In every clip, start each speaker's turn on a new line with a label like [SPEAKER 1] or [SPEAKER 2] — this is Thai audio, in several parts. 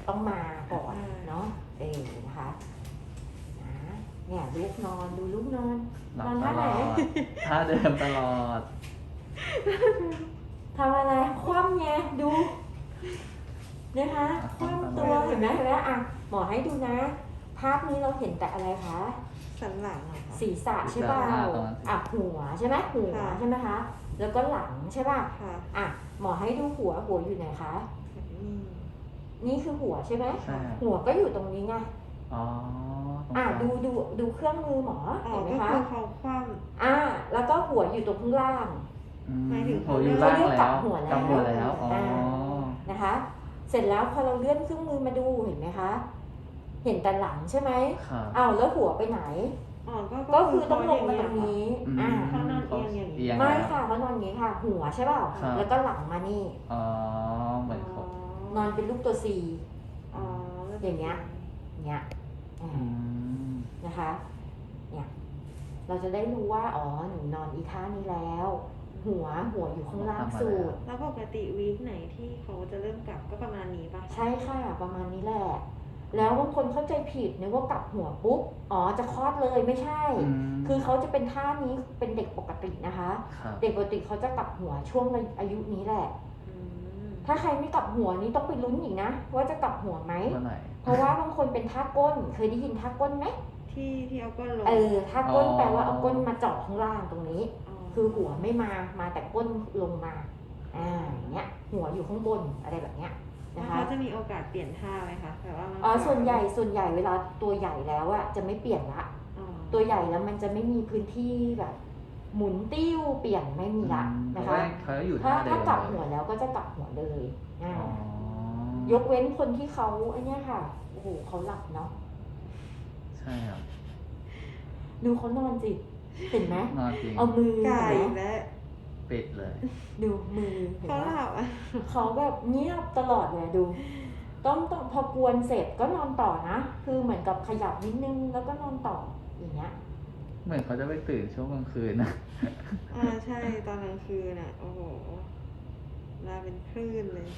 [SPEAKER 1] ต้องมาก่อนเนาะนะคะเนี่ยลูกนอนดูลูกนอน
[SPEAKER 2] หลั
[SPEAKER 1] น
[SPEAKER 2] บ
[SPEAKER 1] อน
[SPEAKER 2] ต
[SPEAKER 1] ท่า
[SPEAKER 2] ล
[SPEAKER 1] ไหน
[SPEAKER 2] อดท่าเดิมตลอด
[SPEAKER 1] ทำอะไรคว่ำไงดูนะคะคว่ำตัวเห็นไหมอ่ะหมอให้ดูนะ ภาพนี้เราเห็นแต่อะไรคะ
[SPEAKER 3] สันหลังเหรอคะ
[SPEAKER 1] ศีรษะใช่เปล่าอ่ะหัวใช่ไหมหัวใช่ไหมคะแล้วก็หลังใช่ป่ะ
[SPEAKER 3] ค่ะ
[SPEAKER 1] อ่ะหมอให้ดูหัวอยู่ไหนคะ
[SPEAKER 3] อืม
[SPEAKER 1] นี่คือหัวใช่ไหม
[SPEAKER 2] ใช่ครับ
[SPEAKER 1] หัวก็อยู่ตรงนี้ไง
[SPEAKER 2] อ๋อตรง
[SPEAKER 1] อ่ะ
[SPEAKER 2] กลาง
[SPEAKER 1] ดูเครื่องมือหมอ
[SPEAKER 3] อ๋อ
[SPEAKER 1] เห็นไหม
[SPEAKER 3] ก็
[SPEAKER 1] คะ
[SPEAKER 3] คือเขาคว่
[SPEAKER 1] แล้วก็หัวอยู่ตรงข้างล่าง
[SPEAKER 3] หมายถึง
[SPEAKER 2] หัวอยู่ล่าง
[SPEAKER 1] เรียกกลั
[SPEAKER 2] แล้
[SPEAKER 1] บ
[SPEAKER 2] ว
[SPEAKER 1] หัวแล้ว
[SPEAKER 2] กลับหัวแล้วอ๋อ
[SPEAKER 1] นะคะ เสร็จแล้วพอเราเลื่อนเครื่องมือมาดูเห็นไหมคะ เห็นแต่หลังใช่ไหม
[SPEAKER 2] ครับ
[SPEAKER 1] แล้วหัวไปไหน
[SPEAKER 3] ำอ๋อ
[SPEAKER 1] ก็คือต้องลงมาตรงนี้
[SPEAKER 2] อืม
[SPEAKER 3] เขานอนเอียงอย่างนี้
[SPEAKER 2] เอียง
[SPEAKER 1] ไม่
[SPEAKER 2] แล้ว
[SPEAKER 1] ค่ะเขานอนอย่างนี้ค่ะ หัวใช่เปล่า
[SPEAKER 2] ครับ
[SPEAKER 1] แล้วก็หลังมานี่
[SPEAKER 2] อ๋อเหมือนเขา
[SPEAKER 1] นอนเป็นรูปตัว C
[SPEAKER 3] อ๋อแล้ว
[SPEAKER 1] อย่างเงี้ย เนี้ย
[SPEAKER 2] อืม
[SPEAKER 1] นะคะ เนี่ย เราจะได้รู้ว่า หนูนอนอีท่านี้แล้ว หัวอยู่ข้างล่างสุด
[SPEAKER 3] แล้วปกติวีคไหนที่เขาจะเริ่มกลับก็ประมาณนี้ป่ะ
[SPEAKER 1] ใช่ค่ะ ประมาณนี้แหละ แล้วบางคนเข้าใจผิดนึกว่ากลับหัวปุ๊บ จะคลอดเลยไม่ใช่ คือเขาจะเป็นท่านี้เป็นเด็กปกตินะคะ
[SPEAKER 2] ครับ
[SPEAKER 1] เด็กปกติเขาจะกลับหัวช่วงอายุนี้แหละ
[SPEAKER 3] อืม
[SPEAKER 1] ถ้าใครไม่กลับหัวนี้ต้องไปลุ้นอีกนะ ว่าจะกลับหัวไหม
[SPEAKER 2] วันไหน
[SPEAKER 1] เพราะว่าบางคนเป็นท่าก้น เคยได้ยินท่าก้นไหม
[SPEAKER 3] ที่เอาก้นลง
[SPEAKER 1] ท่าก้น
[SPEAKER 2] อ๋อ
[SPEAKER 1] แปลว่าเอาก้นมาเจาะข้างล่างตรงนี้ คือหัวไม่มาแต่ก้นลงมาอย่างเงี้ย หัวอยู่ข้างบนอะไรแบบเนี้ย
[SPEAKER 3] แล้ว
[SPEAKER 1] นะคะ
[SPEAKER 3] เขาจะมีโอกาสเปลี่ยนท่าไหมคะแต่ว่ามัน
[SPEAKER 1] ส่วนใหญ่เวลาตัวใหญ่แล้วอะจะไม่เปลี่ยนละ
[SPEAKER 3] อ๋อ
[SPEAKER 1] ตัวใหญ่แล้วมันจะไม่มีพื้นที่แบบ หมุนติ้วเปลี่ยนไม่มีละนะคะ
[SPEAKER 2] เขาอยู่
[SPEAKER 1] ถ้า
[SPEAKER 2] ท่าเดิม
[SPEAKER 1] กลับหัวแล้วก็จะกลับหัวเลย
[SPEAKER 2] อ๋อย
[SPEAKER 1] กเว้นคนที่เขาไอ้เนี่ยค่ะโอ้โหเขาหลับเนาะ
[SPEAKER 2] ใช่ครับ
[SPEAKER 1] ดูเขานอนสิเห็นไหม
[SPEAKER 2] นอนจริง
[SPEAKER 1] เอามือ
[SPEAKER 3] ไก่
[SPEAKER 1] เห็นไหม
[SPEAKER 3] และ
[SPEAKER 2] ปิดเลย
[SPEAKER 1] ดูมือเห็น
[SPEAKER 3] เขา
[SPEAKER 1] ไหม
[SPEAKER 3] หลับอ่ะ
[SPEAKER 1] เขาแบบเงียบตลอดเลยดู ต้องพอกวนเสร็จก็นอนต่อนะ คือเหมือนกับขยับนิดนึงแล้วก็นอนต่ออย่างเงี้ย
[SPEAKER 2] เหมือนเขาจะไปตื่นช่วงกลางคืนนะ
[SPEAKER 3] ใช่ตอนกลางคืนอ่ะ โอ้โหมาเป็นคลื่นเลย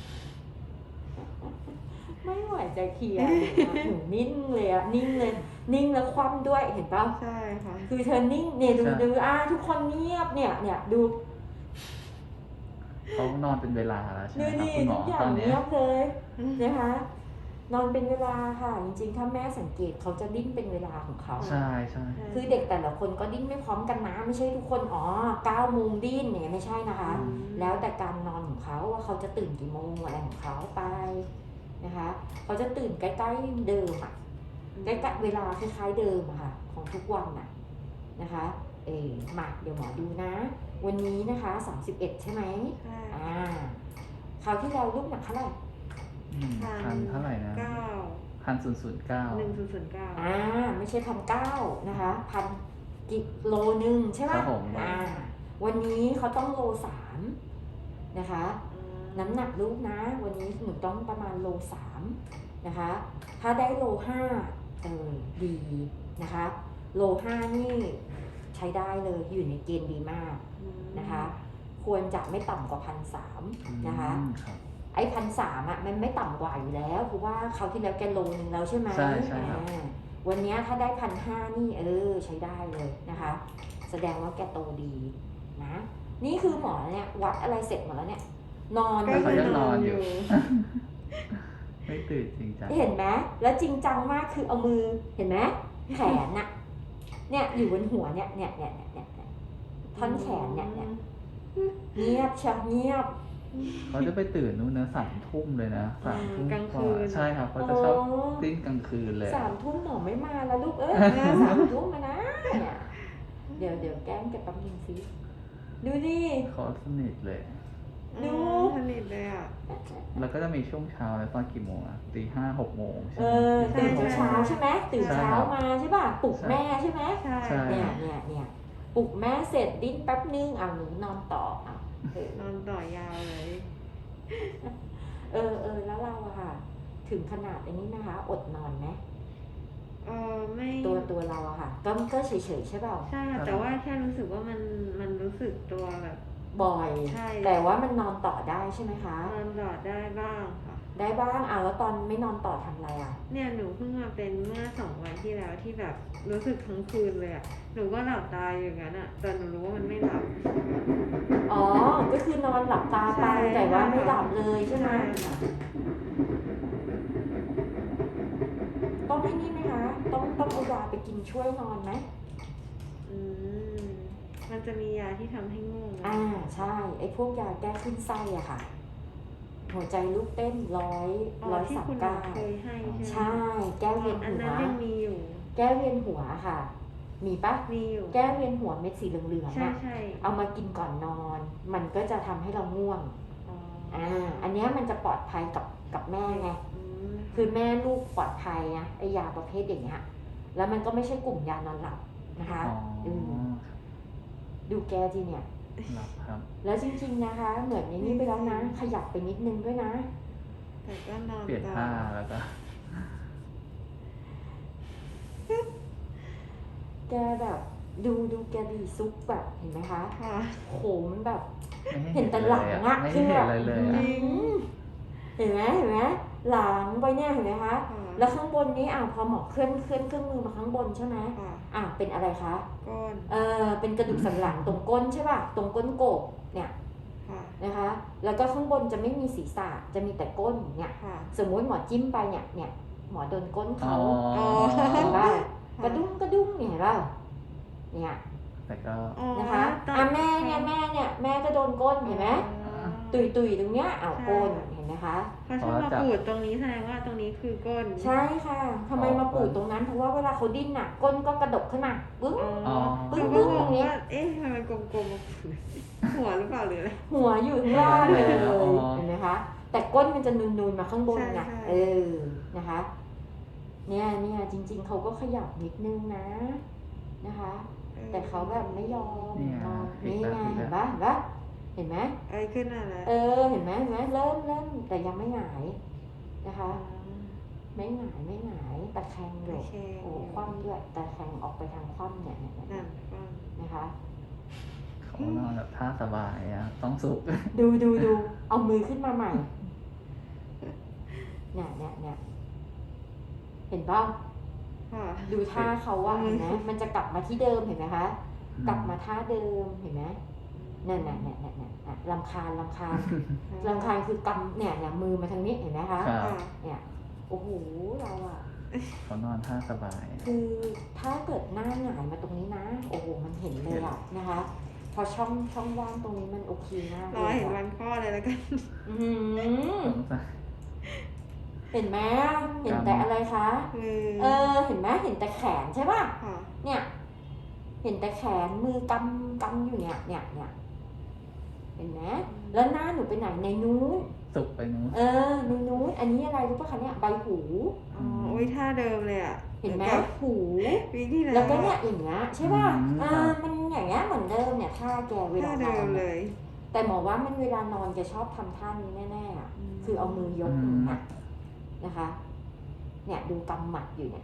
[SPEAKER 1] ไม่ไหวจะเคลียร์เลยอะหนูนิ่งเลยอะนิ่งเลย นิ่งแล้วคว่ำด้วยเห็นป่ะ
[SPEAKER 3] ใช่ค่ะ
[SPEAKER 1] คือเธอนิ่งเนี่ยดู
[SPEAKER 2] ใช่
[SPEAKER 1] ดูทุกคนเงียบเนี่ยดู
[SPEAKER 2] เขานอนเป็นเวลาแล้วใช่ไหม
[SPEAKER 1] ดู
[SPEAKER 2] ครับ
[SPEAKER 1] ดิ
[SPEAKER 2] คุณหม
[SPEAKER 1] ทุ
[SPEAKER 2] อก
[SPEAKER 1] อย่า
[SPEAKER 2] ตอง นเนี้ย
[SPEAKER 1] เงียบเลยนะคะ นอนเป็นเวลาค่ะ จริงๆ ถ้าแม่สังเกตเขาจะดิ้นเป็นเวลาของเขา
[SPEAKER 2] ใช่ใช่
[SPEAKER 1] คือเด็กแต่ละคนก็ดิ้นไม่พร้อมกันนะไม่ใช่ทุกคน9 โมงดิ้นเนี่ยไม่ใช่นะคะ แล้วแต่การนอนของเขาว่าเขาจะตื่นกี่โมงอะไรของเขาไปนะคะเขาจะตื่นใกล้ๆเดิมอะใกล้ๆเวลาคล้ายๆเดิมอะค่ะของทุกวันน่ะนะคะมาเดี๋ยวหมอดูนะ วันนี้นะคะ31ใช่ไหม
[SPEAKER 3] ใช่
[SPEAKER 1] คราวที่เราลูกหนักเท่าไหร่
[SPEAKER 2] พันเท่าไหร่นะ
[SPEAKER 3] เก้า
[SPEAKER 2] 1,009
[SPEAKER 3] 1009
[SPEAKER 1] ไม่ใช่1,900นะคะกิโลนึงใช่ไหม
[SPEAKER 2] ครับผม
[SPEAKER 1] วันนี้เขาต้องโล3นะคะ น้ำหนักลูกนะ วันนี้หนูต้องประมาณโล3นะคะ ถ้าได้โล5ดีนะคะ โล5นี่ใช้ได้เลยอยู่ในเกณฑ์ดีมากนะคะ ควรจะไม่ต่ำกว่า1,300นะคะ
[SPEAKER 2] ครับ
[SPEAKER 1] ไอ้1,300อ่ะมันไม่ต่ำกว่าอยู่แล้วเพราะว่าเขาวที่แล้วแกโลนึงแล้วใช่ไหม
[SPEAKER 2] ใช่ใช่ครับ
[SPEAKER 1] วันนี้ถ้าได้1,500นี่ใช้ได้เลยนะคะ แสดงว่าแกโตดีนะ นี่คือหมอเนี่ยวัดอะไรเสร็จหมดแล้วเนี่ย นอน
[SPEAKER 3] ก็
[SPEAKER 2] เขา
[SPEAKER 3] คือ
[SPEAKER 2] ยัง
[SPEAKER 3] น
[SPEAKER 2] น
[SPEAKER 3] อ
[SPEAKER 2] อน น
[SPEAKER 3] อ
[SPEAKER 2] อยู่ ยู่ ไม่ตื่นจริงจัง
[SPEAKER 1] เห็นไหมแล้วจริงจังมากคือเอามือเห็นไหมแขนน่ะเนี่ยอยู่บนหัวเนี่ยท่อนแขนเนี่ยเงียบชักเงียบ
[SPEAKER 2] เขาจะไปตื่นนู่นนะ3 ทุ่มเลยนะ3 ทุ่ม
[SPEAKER 3] กลาง
[SPEAKER 2] ก
[SPEAKER 3] คื
[SPEAKER 2] ว่าน ใช่ครับเขาจะชอบติ้นกลางคืนเลย
[SPEAKER 1] 3 ทุ่มหมอไม่มาแล้วลูก3 ทุ่มมานะเนี่ยเดี๋ยวแกล้งแกแป๊บนึงสิดูดิ
[SPEAKER 2] เขาสนิทเลย
[SPEAKER 1] ดู
[SPEAKER 3] สนิทเลยอ่ะ
[SPEAKER 2] แล้วก็จะมีช่วงเช้าแล้วตอนกี่โมงอะ5-6 โมงใช่ไหม
[SPEAKER 1] ตื่น
[SPEAKER 3] ใช่
[SPEAKER 1] เช้าใช่ไหมตื่นเช้ามาใช่ป่ะปลุกแม่ใช่ไหม
[SPEAKER 3] ใช่
[SPEAKER 2] ใช่
[SPEAKER 1] เนี่ยปลุกแม่เสร็จดิ้นแป๊บนึงหนูนอนต่อน
[SPEAKER 3] อนต่อยาวเลย
[SPEAKER 1] แล้วเราอะค่ะ ถึงขนาดนี้นะคะ อดนอนไหม
[SPEAKER 3] ไม่
[SPEAKER 1] ตัวเราอะค่ะก็เฉยๆใช่เปล่า
[SPEAKER 3] ใช่ค่ะแต่ว่าแค่รู้สึกว่ามันรู้สึกตัวแบบ
[SPEAKER 1] บ่อย
[SPEAKER 3] ใช่
[SPEAKER 1] แต่ว่ามันนอนต่อได้ใช่ไหมคะ
[SPEAKER 3] นอนหลอดได้บ้างค่ะ
[SPEAKER 1] ได้บ้างแล้วตอนไม่นอนต่อทำอะไรอ่ะ
[SPEAKER 3] เนี่ยหนูเพิ่งมาเป็นเมื่อ2 วันที่แล้วที่แบบรู้สึกทั้งคืนเลยอะหนูก็หลับตาอยู่อย่างนั้นอะแต่หนูรู้ว่ามันไม่หลับ
[SPEAKER 1] อ๋อ ก็คือนอนหลับตาไป
[SPEAKER 3] ใช่
[SPEAKER 1] แต่ว่าไม่หลับเลยใช่ไหม
[SPEAKER 3] ใช่
[SPEAKER 1] ต้องให้นี่ไหมคะ ต้องเอายาไปกินช่วยนอนไหม
[SPEAKER 3] อืมมันจะมียาที่ทำให้ง่วงไหม
[SPEAKER 1] ใช่ ไอ้พวกยาแก้ขึ้นไส้อะค่ะ หัวใจลูกเต้นร้อย
[SPEAKER 3] อ๋อ
[SPEAKER 1] ร้อย
[SPEAKER 3] ที่
[SPEAKER 1] สาม
[SPEAKER 3] คุณหมอ
[SPEAKER 1] เก้า
[SPEAKER 3] เคยให้ใช่ไหม
[SPEAKER 1] ใช่ แก้เวียน
[SPEAKER 3] อัน
[SPEAKER 1] หั
[SPEAKER 3] นั้น
[SPEAKER 1] ว
[SPEAKER 3] ยังมีอยู่
[SPEAKER 1] แก้เวียนหัวค่ะ มีปะ
[SPEAKER 3] มีอยู่
[SPEAKER 1] แก้เวียนหัวเม็ดสีเหลืองๆ
[SPEAKER 3] ใช่
[SPEAKER 1] อะ
[SPEAKER 3] ใช่
[SPEAKER 1] เอามากินก่อนนอน มันก็จะทำให้เราง่วง
[SPEAKER 3] อ๋อ
[SPEAKER 1] อันเนี้ยมันจะปลอดภัยกับแม่ไง
[SPEAKER 3] อืม
[SPEAKER 1] คือแม่ลูกปลอดภัยนะไอยาประเภทอย่างเงี้ย แล้วมันก็ไม่ใช่กลุ่มยานอนหลับนะคะ
[SPEAKER 2] อ๋อ
[SPEAKER 1] ดูแกจีเนี่ย
[SPEAKER 2] หลับครับ
[SPEAKER 1] แล้วจริงๆนะคะ เหมือนในนี้ไปแล้วนะ ขยับไปนิดนึงด้วยนะ
[SPEAKER 3] แต่ก็นอน
[SPEAKER 2] เปลี่ยน
[SPEAKER 3] ต่อ
[SPEAKER 2] ท่าแล้วก็
[SPEAKER 1] แกแบบดูแกดีซุกแบบเห็นไหมคะ
[SPEAKER 3] ค่ะ
[SPEAKER 1] โหมันแบบ
[SPEAKER 2] ไม่ให้
[SPEAKER 1] เห็นแต่หลังอะ
[SPEAKER 2] ไม่
[SPEAKER 1] คื
[SPEAKER 2] ให้
[SPEAKER 1] อ
[SPEAKER 2] เห็
[SPEAKER 1] แบ
[SPEAKER 2] น
[SPEAKER 1] บ
[SPEAKER 2] อะไรเลย
[SPEAKER 3] จ
[SPEAKER 2] อะ
[SPEAKER 3] ริง
[SPEAKER 1] เห็นไหมหลังไปเนี่ยเห็นไหมคะ
[SPEAKER 3] ค่ะ
[SPEAKER 1] แล้วข้างบนนี้พอหมอเคลื่อนเครื่องมือมาข้างบนใช่ไหม
[SPEAKER 3] ค่ะ
[SPEAKER 1] เป็นอะไรคะ
[SPEAKER 3] ก้น
[SPEAKER 1] เป็นกระดูกสันหลังตรงก้นใช่ป่ะ ตรงก้นโกกเนี่ย
[SPEAKER 3] ค่ะ
[SPEAKER 1] นะคะ แล้วก็ข้างบนจะไม่มีศีรษะ จะมีแต่ก้นเนี่ย
[SPEAKER 3] ค่ะ
[SPEAKER 1] สมมุติหมอจิ้มไปเนี่ยหมอโดนก้น
[SPEAKER 2] อ๋
[SPEAKER 1] เขา
[SPEAKER 2] อ
[SPEAKER 1] เห็นป่ะกระดุ้งเนี่ยเห็นป่ะเนี่ย
[SPEAKER 2] แต่ก็
[SPEAKER 3] อ๋อ
[SPEAKER 1] นะคะ
[SPEAKER 3] ตอน
[SPEAKER 1] แม่แม่ก็โดนก้นเห็นไหม
[SPEAKER 3] อ๋อ
[SPEAKER 1] ตุยตรงเนี้ยก้น
[SPEAKER 3] ใช่
[SPEAKER 1] เห็นไหมคะ
[SPEAKER 3] เขาชอบมาปูดตรงนี้แสดงว่าตรงนี้คือก้น
[SPEAKER 1] ใช่ค่ะทำไมมาปูดตรงนั้น เพราะว่าเวลาเขาดิ้นก้นก็กระดกขึ้นมาปึ้ง
[SPEAKER 3] อ๋อ
[SPEAKER 1] ปึ้ง
[SPEAKER 3] เรา
[SPEAKER 1] ปึ้
[SPEAKER 3] ก็
[SPEAKER 1] ง
[SPEAKER 3] ง
[SPEAKER 1] ตรง งนี้
[SPEAKER 3] ว่า เอ๊ะทำไมมันกลมๆมาปูดหัวหรือเปล่าหรืออะไร
[SPEAKER 1] หัวอยู่ข้างล่างเลย
[SPEAKER 2] อ๋อ
[SPEAKER 1] เห็นไหมคะ แต่ก้นมันจะนูนๆมาข้างบนไง
[SPEAKER 3] ใช่
[SPEAKER 1] นะคะ เนี่ยจริงๆเขาก็ขยับนิดนึงนะคะ แต่เขาแบบไม่ยอม
[SPEAKER 2] เนี่ย
[SPEAKER 1] นี่ไง
[SPEAKER 2] อีกแล้ว
[SPEAKER 1] เห็นปะเห็นไหม
[SPEAKER 3] ไอ้ขึ้นอะไร
[SPEAKER 1] เห็นไหมเริ่มแต่ยังไม่หงายนะคะ ไม่หงายตะแคงอยู่
[SPEAKER 3] โอเค
[SPEAKER 1] โอ้คว่ำด้วยตะแคงออกไปทางคว่ำเนี่ย
[SPEAKER 3] นั่นฟัง
[SPEAKER 1] นะคะ
[SPEAKER 2] เขานอนแบบท่าสบายอะต้องสุก
[SPEAKER 1] ดูเอามือขึ้นมาใหม่เนี่ยเห็นป่ะ
[SPEAKER 3] ค่ะ
[SPEAKER 1] ดูท่าเขาว่าเห็นไหมมันจะกลับมาที่เดิมเห็นไหมคะกลับมาท่าเดิมเห็นไหมนั่นรำคาญคือกำเนี่ยมือมาทางนี้เห็นไหมคะ
[SPEAKER 2] ครับ
[SPEAKER 3] ค่ะ
[SPEAKER 1] เนี่ยโอ้โหเราอะ
[SPEAKER 2] เขานอนท่าสบาย
[SPEAKER 1] คือถ้าเกิดหน้าหงายมาตรงนี้นะ โอ้โหมันเห็นเลยอะนะคะ พอช่องว่างตรงนี้มันโอเคมาก
[SPEAKER 3] รอ
[SPEAKER 1] เลย
[SPEAKER 3] เห็น
[SPEAKER 1] อะ
[SPEAKER 3] วันคลอดเลยแล้วกัน
[SPEAKER 1] อื้อหือ
[SPEAKER 2] สงสัย
[SPEAKER 1] เห็นไหมเห็นแต่อะไรคะ
[SPEAKER 3] มือ
[SPEAKER 1] เห็นไหมเห็นแต่แขนใช่ป่ะ
[SPEAKER 3] ค่ะ
[SPEAKER 1] เนี่ย เห็นแต่แขนมือกำอยู่เนี่ยเห็นไหมแล้วหน้าหนูไปไหนในนู้น
[SPEAKER 2] สุกไปนู้น
[SPEAKER 1] ในนู้นอันนี้อะไรรู้ป่ะคะเนี่ยใบหู
[SPEAKER 3] อ๋อโอ้ยท่าเดิมเลยอ่ะ
[SPEAKER 1] เห็นไหม
[SPEAKER 3] กับ
[SPEAKER 1] หู
[SPEAKER 3] วิธี
[SPEAKER 1] แล้วก็เนี่ยอย่างเงี้ยใช่ป่ะ
[SPEAKER 2] อืม
[SPEAKER 1] มันอย่างเงี้ยเหมือนเดิมเนี่ยท่าแกเวลา
[SPEAKER 3] ท่าน เดิ
[SPEAKER 1] อน
[SPEAKER 3] มเลย
[SPEAKER 1] แต่หมอว่ามันเวลานอนแกชอบทำท่านี้แน่ๆอะคือเอามือยกอย่างเงี้ยนะคะ เนี่ยดูกำหมัดอยู่เนี่ย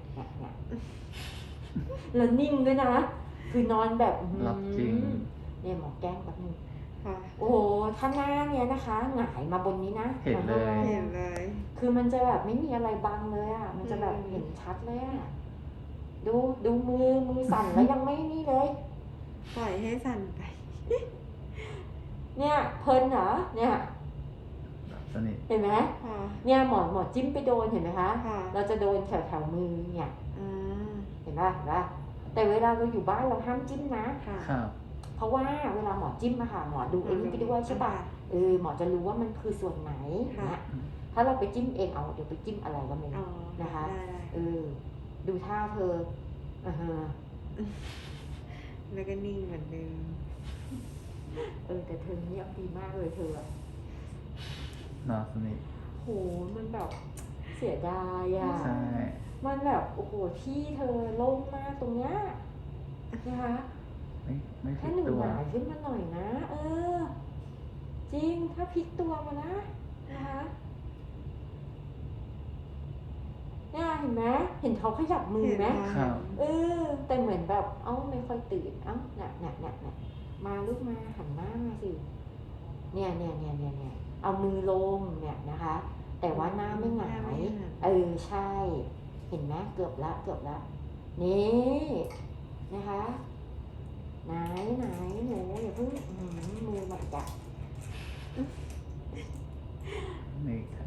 [SPEAKER 1] แล้วนิ่งด้วยนะ คือนอนแบบอื้อหือ
[SPEAKER 2] หลับจริง
[SPEAKER 1] เนี่ยหมอแกล้งแบบนึง
[SPEAKER 3] ค่ะ
[SPEAKER 1] โอ้โหถ้าหน้าเนี่ยนะคะหงายมาบนนี้นะ
[SPEAKER 2] เห็นเลย
[SPEAKER 3] เห็นเลย
[SPEAKER 1] คือมันจะแบบไม่มีอะไรบังเลยอ่ะ มันจะแบบเห็นชัดเลยอ่ะ ดูมือสั่นแล้วยังไม่นี่เลย
[SPEAKER 3] ปล่อยให้สั่นไป
[SPEAKER 1] เนี่ยเพลินเหรอ เนี่ย
[SPEAKER 2] หลับสนิท
[SPEAKER 1] เห็นไหม
[SPEAKER 3] ค่ะ
[SPEAKER 1] เนี่ยหมอจิ้มไปโดนเห็นไหมคะ
[SPEAKER 3] ค่ะ
[SPEAKER 1] เราจะโดนแถวมือเนี่ย
[SPEAKER 3] อ่า
[SPEAKER 1] เห็นป่ะแต่เวลาเราอยู่บ้านเราห้ามจิ้มนะ
[SPEAKER 3] ค่ะ
[SPEAKER 2] ครับ
[SPEAKER 1] เพราะว่าเวลาหมอจิ้มอะค่ะหมอดูไอ้นี่ไปด้วยใช่ป่ะหมอจะรู้ว่ามันคือส่วนไหนเนี่ยถ้าเราไปจิ้มเองเดี๋ยวไปจิ้มอะไรก็ไม่
[SPEAKER 3] อ๋อ
[SPEAKER 1] รู้นะคะ
[SPEAKER 3] ได้
[SPEAKER 1] ดูท่าเธอ
[SPEAKER 3] แล้วก็นิ่งเหมือนเดิม
[SPEAKER 1] แต่เธอเงียบดีมากเลยเธออะ
[SPEAKER 2] นอนสนิท
[SPEAKER 1] โหมันแบบเสียดายอ่ะ
[SPEAKER 2] ใช่
[SPEAKER 1] มันแบบโอ้โหที่เธอโล่งมากตรงเนี้ยนะคะ
[SPEAKER 2] ไม่ผิ
[SPEAKER 1] ถ้า
[SPEAKER 2] ด
[SPEAKER 1] หนู
[SPEAKER 2] ตัว
[SPEAKER 1] หงายขึ้นมาหน่อยนะ จริงถ้าพลิกตัวมานะคะเนี่ยเห็นไหมเห็นเขาขยับมือไหม
[SPEAKER 2] ครับ
[SPEAKER 1] แต่เหมือนแบบไม่ค่อยตื่นเนี่ยมาลูกมาหันหน้ามาสิเนี่ยเอามือลงเนี่ยนะคะแต่ว่าหน้าไม่หงา
[SPEAKER 3] หน้าไม่
[SPEAKER 1] ย
[SPEAKER 3] หงาย
[SPEAKER 1] ใช่ เห็นไหมเกือบละนี่นะคะไหนหนูอย่าเพิ่งมือมาจับ
[SPEAKER 2] นี่ครับ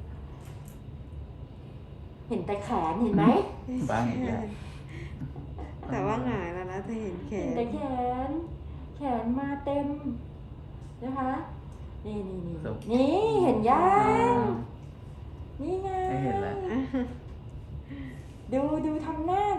[SPEAKER 1] เห็นแต่แขนเห็นไหม
[SPEAKER 2] บ้างอีกแล้ว
[SPEAKER 3] แต่ว่าหงายแล้วนะจะเห็นแข
[SPEAKER 1] เห็น
[SPEAKER 3] น
[SPEAKER 1] แต่แขนมาเต็มนะคะ นี่เห็นยังนี่ไง
[SPEAKER 2] ไม่เห็นแล้ว
[SPEAKER 1] ดูทำหน้า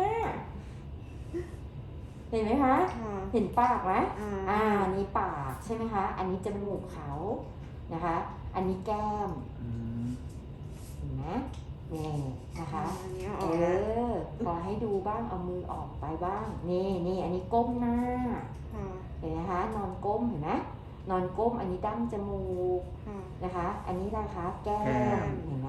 [SPEAKER 1] เห็นไหมคะ
[SPEAKER 3] ค่ะ
[SPEAKER 1] เห็นปากไหม
[SPEAKER 3] อ่า
[SPEAKER 1] อันนี้ปากใช่ไหมคะ อันนี้จมูกเขานะคะ อันนี้แก้ม
[SPEAKER 2] อืม
[SPEAKER 1] เห็นไหมนี่นะคะ
[SPEAKER 3] อันนี้เอาออกแล้ว
[SPEAKER 1] พอให้ดูบ้างเอามือออกไปบ้าง นี่อันนี้ก้มหน้า
[SPEAKER 3] ค่ะ
[SPEAKER 1] เห็นไหมคะ นอนก้มเห็นไหมนอนก้ม อันนี้ดั้งจมูก
[SPEAKER 3] ค่ะ
[SPEAKER 1] นะคะ อันนี้นะคะ แก้มเห็นไหม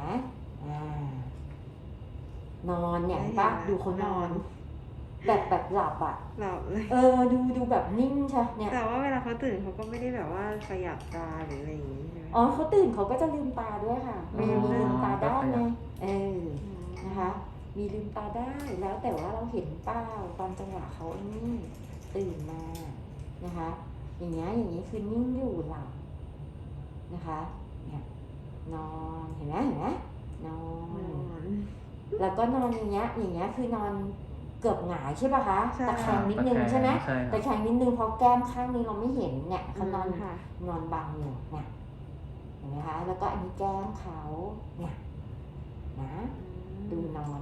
[SPEAKER 1] นอนเนี่ยเห็นปะดูเขานอน แบบหลับอ่ะ
[SPEAKER 3] หลับเลย
[SPEAKER 1] ดูแบบนิ่งใช่เนี่ย
[SPEAKER 3] แต่ว่าเวลาเขาตื่นเขาก็ไม่ได้แบบว่าขยับตาหรืออะไรอย่างนี้ใช่ไหม
[SPEAKER 1] อ๋อเขาตื่นเขาก็จะลืมตาด้วยค่ะ มีลืมตาได้ไงนะคะ มีลืมตาได้แล้วแต่ว่าเราเห็นเป้าตอนจังหวะเขาไอ้นี่ตื่นมานะคะ อย่างนี้คือนิ่งอยู่หลับนะคะเนี่ยนอนเห็นไหมนอน แล้วก็นอนอย่างเงี้ยคือนอนเกือบหงายใช่ป่ะคะ
[SPEAKER 3] ใช่
[SPEAKER 1] ตะแคงนิดนึงใช่ไหม
[SPEAKER 2] ใช่ค
[SPEAKER 1] ตะ
[SPEAKER 2] รับ
[SPEAKER 1] แคงนิดนึงเพราะแก้มข้างนี้เราไม่เห็นเนี่ยเขานอน
[SPEAKER 3] ค่ะ
[SPEAKER 1] นอนบังอยู่เนี่ยเห็นไหมคะ แล้วก็อันนี้แก้มเขาเนี่ยนะดูนอน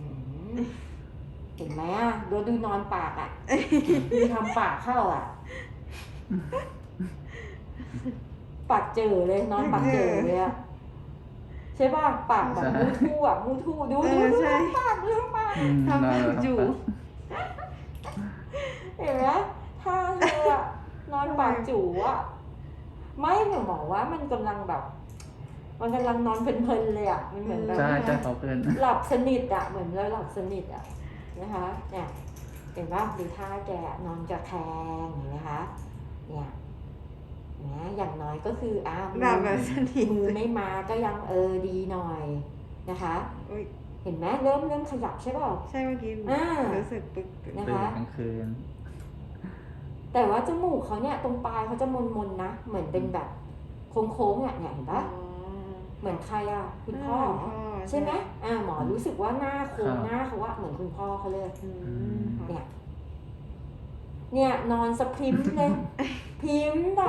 [SPEAKER 1] เห็นไหมอ่ะดูนอนปากอ่ะดูทำปากเข้าอ่ะ ปากเจอเลยนอนปากเจอเลยอ่ะใช่ป่ะปากแบบมูทู่อ่ะมูทู่ดู
[SPEAKER 3] ใช่
[SPEAKER 1] ปากดูปาก
[SPEAKER 2] อืม
[SPEAKER 3] ทำ
[SPEAKER 2] นอนแล้ว
[SPEAKER 3] อยู่
[SPEAKER 1] เห็นไหมถ้าเธออะนอนปากจู่อ่ะไม่หนูบอกว่ามันกำลังแบบ มันกำลังนอนเพลินๆเลยอ่ะมันเหมือนแบบ
[SPEAKER 2] ใช่เขาเกิน
[SPEAKER 1] หลับสนิทอ่ะเหมือนเราหลับสนิทอ่ะนะคะเนี่ยเห็นป่ะดูท่าแกนอนจะแทงเห็นไหมคะเนี่ยนะอย่างน้อยก็คือมื
[SPEAKER 3] หลับแบบสนิท
[SPEAKER 1] มือไม่มาก็ยังดีหน่อยนะคะ
[SPEAKER 3] อุ๊ย
[SPEAKER 1] เห็นไหมเริ่มขยับใช่เปล่า
[SPEAKER 3] ใช่เมื่อกี้
[SPEAKER 1] อ่า
[SPEAKER 3] รู้สึกปึ๊ก
[SPEAKER 1] นะ
[SPEAKER 2] ตื่น
[SPEAKER 1] คะ
[SPEAKER 2] กลางคืน
[SPEAKER 1] แต่ว่าจมูกเขาเนี่ยตรงปลายเขาจะมนๆนะเหมือนเป็นแบบโค้งๆเนี่ยเห็นปะเหมือนใครอ่ะคุณพ่อเหรอใช่ไหมหมอรู้สึกว่าหน้าโค้ง
[SPEAKER 2] ครับ
[SPEAKER 1] หน้าเขาว่าเหมือนคุณพ่อเขาเลย
[SPEAKER 3] ค่ะ
[SPEAKER 1] เนี่ยนอนสะพริมเลย พริมแบบ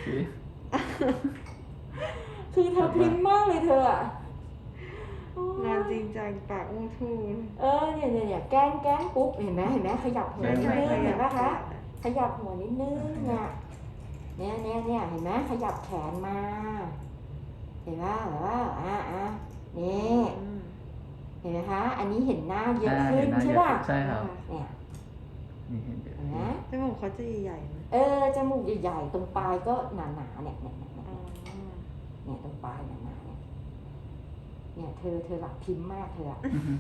[SPEAKER 1] คือเธอพริมมากเลยเธออะโอ้ย
[SPEAKER 3] นอนจริงจังปากอู้ทู่
[SPEAKER 1] เนี่ยแกล้งปุ๊บเห็นไหมขยับหัวนิดนึงเห็นปะคะขยับหัวนิดนึงเนี่ยเห็นไหมขยับแขนมา เห็นว่านี่เห็นไหมคะ อันนี้เห็นหน้าเยอะขึ้นใช่ป่ะ
[SPEAKER 2] ใช่ครับ
[SPEAKER 1] เนี่ย
[SPEAKER 2] นี่เห็นเยอะ
[SPEAKER 1] เห็นไหม
[SPEAKER 3] จมูกเขาจะใหญ่ๆไหม
[SPEAKER 1] จมูกใหญ่ๆตรงปลายก็หนาๆเนี่ย
[SPEAKER 3] อ๋อ
[SPEAKER 1] เนี่ยตรงปลายหนาๆเนี่ยเธอหลับพิมพ์มากเธออะ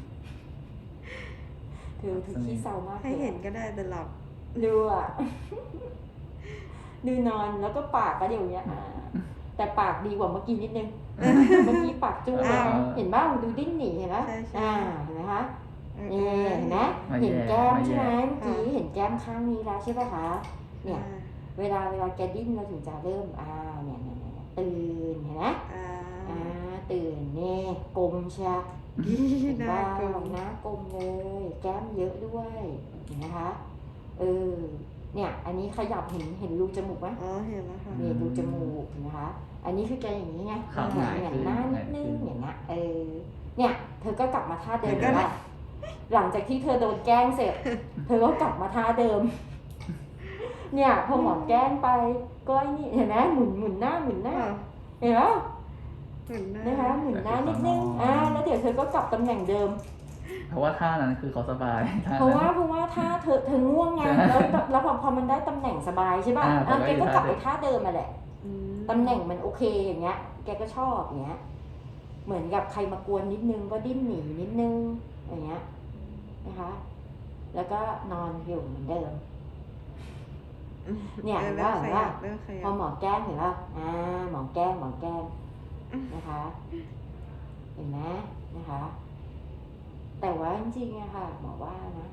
[SPEAKER 1] เธอขี้เศร้ามาก
[SPEAKER 3] ให้เห็นก็ได้แต่หลับ
[SPEAKER 1] ดูอ่ะ ดูนอนแล้วก็ปากก็อย่างเงี้ยแต่ปากดีกว่าเมื่อกี้นิดนึง เมื่อกี้ปากจุ้งเลยเห็นบ้างดูดิ้นหนีเห็นไหม
[SPEAKER 3] ใช่
[SPEAKER 1] เห็นไหมคะนี่เห็นไหมเห็นแก้มใช่ไหมเมื่อกี้เห็นแก้มข้างนี้แล้วใช่ป่ะคะเนี่ย เวลาแกดิ้นเราถึงจะเริ่มเนี่ยตื่นเห็นไหมตื่นเนี่ยกลมใช่เห็น
[SPEAKER 3] ห
[SPEAKER 1] บ้า
[SPEAKER 3] น้าง กลม
[SPEAKER 1] หน้ากลมเลย แก้มเยอะด้วยเห็นไหมคะเนี่ย อันนี้ขยับเห็นรูจมูกไหม
[SPEAKER 3] อ๋อเห็นแล้วค่ะ
[SPEAKER 1] นี่รูจมูกเห็นไหมคะอันนี้คือแกอย่างนี้ไง
[SPEAKER 2] ครับ
[SPEAKER 1] เหมือนหน้านิดนึงอย่างเงี้ยเนี่ย เธอก็กลับมาท่าเดิมแล้วหลังจากที่เธอโดนแกล้งเสร็จ เธอก็กลับมาท่าเดิม เนี่ยพอหมอแกล้งไปก็ไอ้นี่เห็นไหมหมุนหน้าเห็นไหม
[SPEAKER 3] เหมือนหน้า
[SPEAKER 1] นะคะหมุนหน้านิดนึงแล้วเดี๋ยวเธอก็กลับตำแหน่งเดิม
[SPEAKER 2] เพราะว่าท่านั้นคือเขาสบายท่
[SPEAKER 1] เพราะว่า
[SPEAKER 2] นั้น
[SPEAKER 1] ถ้าเธอง่วงไงแล้วพอมันได้ตำแหน่งสบายใช่ป่ะ
[SPEAKER 2] ผมก็
[SPEAKER 1] แก
[SPEAKER 2] อยู่
[SPEAKER 1] ก็กลับไป
[SPEAKER 2] ท่าเดิม
[SPEAKER 1] ท่าเดิมมาแหละตำแหน่งมันโอเคอย่างเงี้ย แกก็ชอบอย่างเงี้ย เหมือนกับใครมากวนนิดนึงก็ดิ้นหนีนิดนึงอย่างเงี้ยนะคะ แล้วก็นอนอยู่เหมือนเดิม เนี่ยเห็นป่ะ
[SPEAKER 3] เริ่มขยับเริ่มข
[SPEAKER 1] พ
[SPEAKER 3] ยั
[SPEAKER 1] อบ หมอแกล้งเห็นป่ะหมอแกล้งนะคะ
[SPEAKER 3] เริ่มขยับ
[SPEAKER 1] เนี่ยเห็นไหมเห็นแก้มใช่ไหม
[SPEAKER 3] เริ่มขยับ
[SPEAKER 1] เห็นไหมเห็นแก้มข้างนี้แล้วใช่ป่ะคะเนี่ย เวลาเห็นไหมนะคะ แต่ว่าจริงๆอะค่ะหมอว่านะ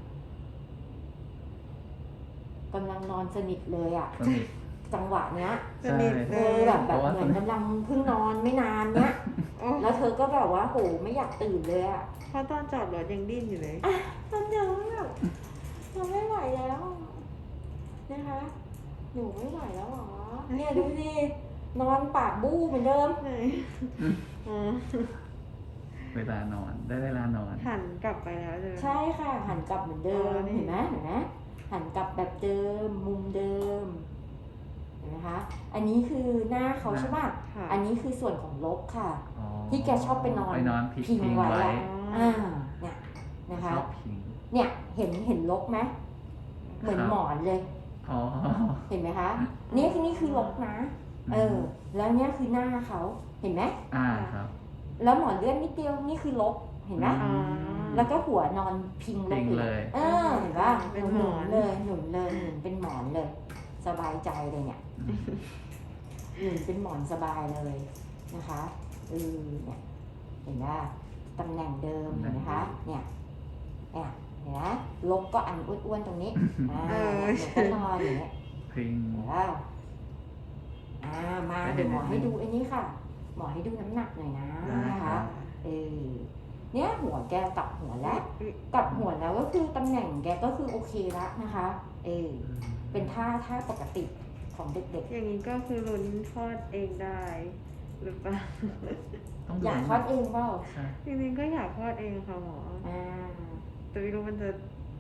[SPEAKER 1] กำลังนอนสนิทเลยอะ
[SPEAKER 2] สนิท
[SPEAKER 1] จังหวะเนี้ย
[SPEAKER 3] สนิทเล
[SPEAKER 1] แบบ
[SPEAKER 3] ย
[SPEAKER 2] เพราะว่า
[SPEAKER 1] เหมือนกำลังเพิ่งนอนไม่นานเนี้ย
[SPEAKER 3] โอ้
[SPEAKER 1] แล้วเธอก็แบบว่าโหไม่อยากตื่นเลยอะ
[SPEAKER 3] เพราะตอนจอดรถยังดิ้นอยู่เลย
[SPEAKER 1] ตอนเดินแบบเราไม่ไหวแล้วนะคะ หนูไม่ไหวแล้วหรอเนี่ยดูสินอนปากบู้เหมือนเดิม
[SPEAKER 3] ไหนอ๋อ
[SPEAKER 2] เวลานอนได้เวลานอน
[SPEAKER 3] หันกลับไปแล้วใช่ไหม
[SPEAKER 1] ใช่ค่ะหันกลับเหมือนเดิม
[SPEAKER 3] อ๋อนี่
[SPEAKER 1] เห็นไหมหันกลับแบบเดิมมุมเดิมเห็นไหมคะอันนี้คือหน้าเขาใช่ป่ะ
[SPEAKER 3] ค่ะ
[SPEAKER 1] อันนี้คือส่วนของลกค่ะ
[SPEAKER 2] อ๋อ
[SPEAKER 1] ที่แกชอบไปนอน
[SPEAKER 2] พิงไว้
[SPEAKER 1] อะเนี่ยนะคะ
[SPEAKER 2] ชอบพิง
[SPEAKER 1] เนี่ยเห็นลกไหมเหมือน
[SPEAKER 2] ครับ
[SPEAKER 1] หมอนเลย
[SPEAKER 2] อ๋อ
[SPEAKER 1] เห็นไหมคะนี่คือลกนะ แล้วเนี่ยคือหน้าเขาเห็นไหม
[SPEAKER 2] ครับ
[SPEAKER 1] แล้วหมอนเลื่อนนิดเดียวนี่คือลกเห็นไหม
[SPEAKER 3] อ๋อ
[SPEAKER 1] แล้วก็หัวนอนพิงล
[SPEAKER 2] พิ
[SPEAKER 1] ง
[SPEAKER 2] งเลย
[SPEAKER 1] เห็นป่ะ
[SPEAKER 3] เป็น
[SPEAKER 1] ห
[SPEAKER 3] หม
[SPEAKER 1] นุ
[SPEAKER 3] อน
[SPEAKER 1] นเลยหนุนเป็นหมอนเลย สบายใจเลยเนี่ยหนุนเป็นหมอนสบายเลยนะคะเนี่ยเห็นไหมตำแหน่งเดิมเห็นไหมคะเนี่ยเห็นไหมลกก็อันอ้วนๆตรงนี้หนูก็นอนอย่างเงี้ย
[SPEAKER 2] พิง
[SPEAKER 1] เห็นป่ะมาเดี๋ยวหมอให้ดูไอ้นี้ค่ะ หมอให้ดูน้ำหนักหน่อยนะ
[SPEAKER 2] ได้
[SPEAKER 1] นะ
[SPEAKER 2] ครั
[SPEAKER 1] คะ
[SPEAKER 2] บ
[SPEAKER 1] เนี่ยหัวแกกลับหัวแล้วกลับหัวแล้วก็คือตำแหน่งแกก็คือโอเคแล้วนะคะเป็นท่าปกติของเด็ก
[SPEAKER 3] อย่างนี้ก็คือลุ้นคลอดเองได้หรือเปล่า
[SPEAKER 2] ต้อง
[SPEAKER 1] ๆ
[SPEAKER 2] ดู
[SPEAKER 1] อยากคลอดเองเปล่า
[SPEAKER 2] ใช่
[SPEAKER 3] จริงๆก็อยากคลอดเองค่ะหมอ
[SPEAKER 1] อ่า
[SPEAKER 3] แต่ไม่รู้มันจะ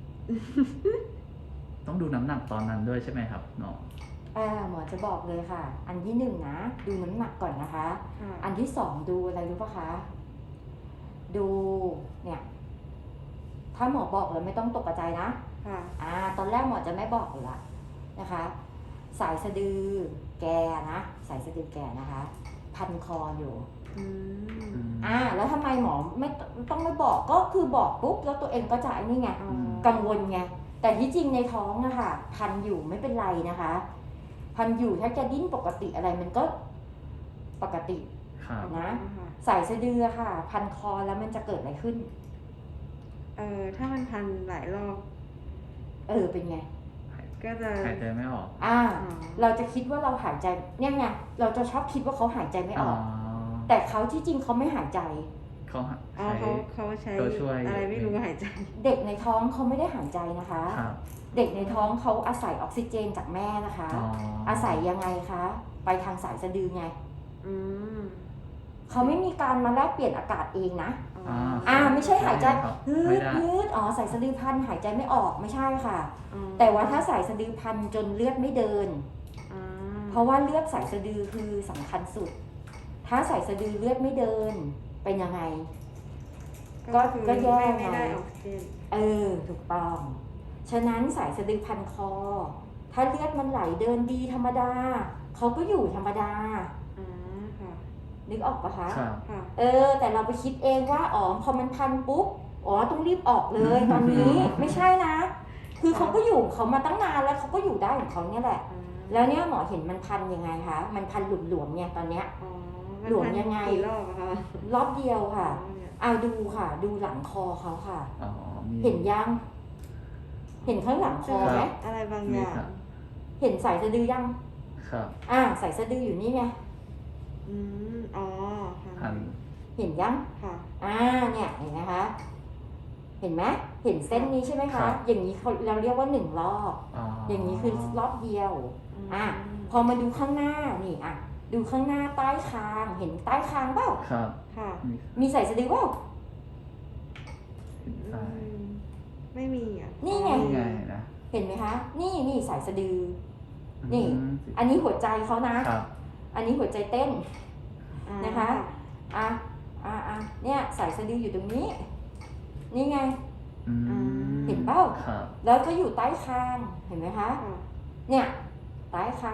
[SPEAKER 2] ต้องดูน้ำหนักตอนนั้นด้วยใช่ไหมครับหมอ
[SPEAKER 1] หมอจะบอกเลยค่ะ อันที่หนึ่งนะดูน้ำหนักก่อนนะคะ
[SPEAKER 3] ค่ะ
[SPEAKER 1] อันที่สองดูอะไรรู้ปะคะ ดูเนี่ย ถ้าหมอบอกเลยไม่ต้องตกใจนะ
[SPEAKER 3] ค่ะ
[SPEAKER 1] ตอนแรกหมอจะไม่บอกเลยละนะคะ สายสะดือแกนะสายสะดือแกนะคะ พันคออยู่
[SPEAKER 3] อืม
[SPEAKER 1] แล้วทำไมหมอไม่ต้องไม่บอกก็คือบอกปุ๊บแล้วตัวเองก็จะไอ้นี่ไง
[SPEAKER 3] อ๋อ
[SPEAKER 1] กังวลไงแต่ที่จริงในท้องอะค่ะ พันอยู่ไม่เป็นไรนะคะ พันอยู่ถ้าจะดิ้นปกติอะไรมันก็ปกติ
[SPEAKER 2] ครับ
[SPEAKER 1] นะ
[SPEAKER 3] ค่ะ
[SPEAKER 1] สายสะดือค่ะ พันคอแล้วมันจะเกิดอะไรขึ้น
[SPEAKER 3] ถ้ามันพันหลายรอบ
[SPEAKER 1] เป็นไง
[SPEAKER 3] ก็จะ
[SPEAKER 2] หายใจไม่ออก
[SPEAKER 1] เราจะคิดว่าเราหายใจเนี่ยไงเราจะชอบคิดว่าเขาหายใจไม่ออก แต่เขาที่จริงเขาไม่หายใจ
[SPEAKER 2] เขา
[SPEAKER 3] อ๋อ
[SPEAKER 2] ใช้
[SPEAKER 3] เขาใช้
[SPEAKER 2] ตัวช่วย
[SPEAKER 3] อะไรไม่รู้หายใจ
[SPEAKER 1] เด็กในท้องเขาไม่ได้หายใจนะคะ
[SPEAKER 2] ครับ
[SPEAKER 1] เด็กในท้องเขาอาศัยออกซิเจนจากแม่นะคะ
[SPEAKER 2] อ๋อ
[SPEAKER 1] อาศัยยังไงคะ ไปทางสายสะดือไง
[SPEAKER 3] อืม
[SPEAKER 1] เขาไม่มีการมาแลกเปลี่ยนอากาศเองนะ
[SPEAKER 3] อ๋อ
[SPEAKER 1] ไม่ใช่หายใจ
[SPEAKER 2] ครับ
[SPEAKER 1] ฮื
[SPEAKER 2] ไม่
[SPEAKER 1] ด
[SPEAKER 2] ได้
[SPEAKER 1] ฮืดสายสะดือพันหายใจไม่ออกไม่ใช่ค่ะ
[SPEAKER 3] อ๋อ
[SPEAKER 1] แต่ว่าถ้าสายสะดือพันจนเลือดไม่เดิน
[SPEAKER 3] อ๋อ
[SPEAKER 1] เพราะว่าเลือดสายสะดือคือสำคัญสุด ถ้าสายสะดือเลือดไม่เดิน เป็นยังไง
[SPEAKER 3] คือ
[SPEAKER 1] ก็แย่
[SPEAKER 3] ไม่ได้
[SPEAKER 1] ไง
[SPEAKER 3] ออกซิเจน
[SPEAKER 1] ถูกต้อง ฉะนั้นสายสะดือพันคอ ถ้าเลือดมันไหลเดินดีธรรมดา เขาก็อยู่ธรรมดา
[SPEAKER 3] อ๋อค่ะ
[SPEAKER 1] นึกออกปะคะ
[SPEAKER 2] ครับ
[SPEAKER 3] ค่ะ
[SPEAKER 1] แต่เราไปคิดเองว่าพอมันพันปุ๊บต้องรีบออกเลยตอนนี้ ไม่ใช่นะ คือเขาก็อยู่ของเขามาตั้งนานแล้วเขาก็อยู่ได้ของเขาเนี่ยแหละ
[SPEAKER 3] อ๋อ
[SPEAKER 1] แล้วเนี่ยหมอเห็นมันพันยังไงคะ มันพันหลวมๆเนี่ยตอนเนี้ย
[SPEAKER 3] อ๋อ
[SPEAKER 1] หลวมยังไง
[SPEAKER 3] กี่รอบอะคะ
[SPEAKER 1] รอบเดียวค่ะ
[SPEAKER 3] อ๋อเนี่ย
[SPEAKER 1] ดูค่ะ ดูหลังคอเขาค่ะ
[SPEAKER 2] อ๋อมี
[SPEAKER 1] เห็นยัง เห็นข้างหลังคอไหม
[SPEAKER 3] อะไรบางอ
[SPEAKER 2] มี
[SPEAKER 3] ย่าง
[SPEAKER 2] ครับ
[SPEAKER 1] เห็นสายสะดือยัง
[SPEAKER 2] ครับ
[SPEAKER 1] สายสะดืออยู่นี่ไง
[SPEAKER 3] อ๋อค่ะ
[SPEAKER 2] พัน
[SPEAKER 1] เห็นยัง
[SPEAKER 3] ค่ะ
[SPEAKER 1] เนี่ยเห็นไหมคะ เห็นไหมเห็นเส้นนี้ใช่ไหม
[SPEAKER 2] ครั
[SPEAKER 1] คะ
[SPEAKER 2] บ
[SPEAKER 1] อย่างนี้เราเรียกว่า1 รอบ
[SPEAKER 2] อ๋อ
[SPEAKER 1] อ
[SPEAKER 2] อย่าง
[SPEAKER 1] นี้คือรอบเดียว
[SPEAKER 3] อืม
[SPEAKER 1] พอมาดูข้างหน้านี่ดูข้างหน้าใต้คาง เห็นใต้คางเปล่า
[SPEAKER 2] ครับ
[SPEAKER 3] ค่ะ
[SPEAKER 2] มี
[SPEAKER 1] มีสายสะดือเปล่า
[SPEAKER 2] เห็นซ้าย
[SPEAKER 3] ไม่มีอ่ะ
[SPEAKER 1] นี่ไง
[SPEAKER 2] นี่ไงนะ
[SPEAKER 1] เห็นไหมคะ นี่สายสะดือ นี่
[SPEAKER 2] อืม
[SPEAKER 1] อันนี้หัวใจเขานะ
[SPEAKER 2] ครับ
[SPEAKER 1] อันนี้หัวใจเต้น
[SPEAKER 3] อ๋อ
[SPEAKER 1] นะคะ เนี่ยสายสะดืออยู่ตรงนี้ นี่ไง
[SPEAKER 2] อืม
[SPEAKER 1] เห็นเปล่า
[SPEAKER 2] ครับ
[SPEAKER 1] แล้วก็อยู่ใต้คาง เห็นไหมคะ
[SPEAKER 3] ค่ะ
[SPEAKER 1] เนี่ย ใต้คาง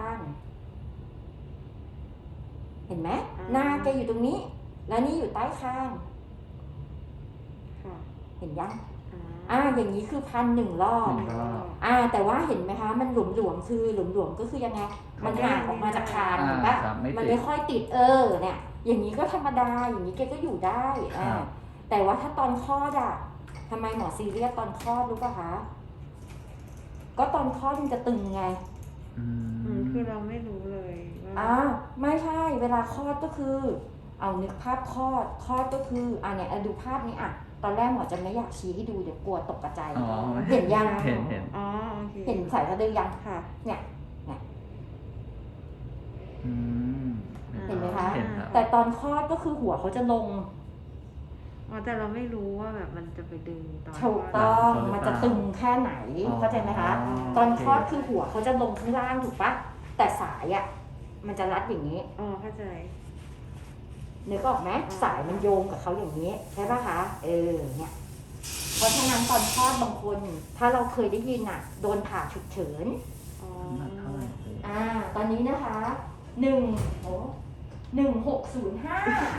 [SPEAKER 1] เห็นไหมหน้าแกอยู่ตรงนี้ แล้วนี่อยู่ใต้คาง
[SPEAKER 3] ค่ะ
[SPEAKER 1] เห็นยัง
[SPEAKER 3] อ๋อ
[SPEAKER 1] อย่างนี้คือพัน1 รอบ
[SPEAKER 2] หนึ่งรอบ
[SPEAKER 1] แต่ว่าเห็นไหมคะ มันหลวมๆคือหลวมๆก็คือยังไง มันห่างออกมาจากคางเห็นปะ
[SPEAKER 2] ครับไม่
[SPEAKER 1] มัน
[SPEAKER 2] ติ
[SPEAKER 1] ไม่
[SPEAKER 2] ด
[SPEAKER 1] ค่อยติดเนี่ยอย่างนี้ก็ธรรมดา อย่างนี้แกก็อยู่ได้แต่ว่าถ้าตอนคลอดอะทำไมหมอซีเรียสตอนคลอดรู้ป่ะคะ ก็ตอนคลอดมันจะตึงไง
[SPEAKER 3] คือเราไม่รู้เลยว่า
[SPEAKER 1] ไม่ใช่ เวลาคลอดก็คือ เอานึกภาพคลอดก็คือเนี่ยดูภาพนี้ตอนแรกหมอจะไม่อยากชี้ให้ดูเดี๋ยวกลัวตกกระจาย
[SPEAKER 2] อ๋อ
[SPEAKER 1] เห็นยัง
[SPEAKER 2] เห็น
[SPEAKER 3] อ๋อโอเค
[SPEAKER 1] เห็นสายสะดือยัง
[SPEAKER 3] ค่ะ
[SPEAKER 1] เนี่ย
[SPEAKER 2] อืม
[SPEAKER 1] เห็นไหมคะ
[SPEAKER 2] เห็นครับ
[SPEAKER 1] แต่ตอนคลอดก็คือหัวเขาจะลง
[SPEAKER 3] แต่เราไม่รู้ว่าแบบมันจะไปดึงตอน
[SPEAKER 1] ถูกต้องมันจะตึงแค่ไหน เข้าใจไหมคะ ตอนคลอดคือหัวเขาจะลงข้างล่างถูกปะแต่สายมันจะรัดอย่างนี้
[SPEAKER 3] เข้าใจ
[SPEAKER 1] นึกออกไหมสายมันโยงกับเขาอย่างนี้ใช่ปะคะเนี่ยเพราะฉะนั้นตอนคลอดบางคน ถ้าเราเคยได้ยินโดนผ่าฉุกเฉิน
[SPEAKER 2] หนักเท่าไหร่
[SPEAKER 1] ตอนนี้นะคะ1605